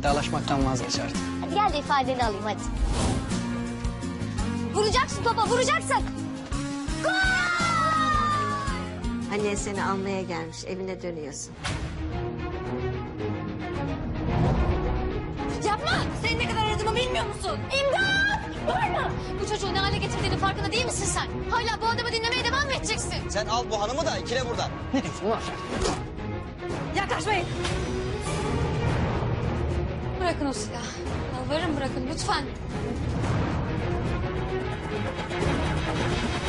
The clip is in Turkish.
Vedalaşmaktan vazgeç artık. Hadi gel de ifadeni alayım hadi. Vuracaksın topa, vuracaksın. Annen seni almaya gelmiş, evine dönüyorsun. Yapma! Senin ne kadar aradığımı bilmiyor musun? İmdat! Durma! Bu çocuğu ne hale getirdiğinin farkında değil misin sen? Hala bu adamı dinlemeye devam mı edeceksin? Sen al bu hanımı da ikile buradan. Ne diyorsun lan sen? Yaklaşmayın! Bırakın o silahı. Yalvarırım bırakın lütfen.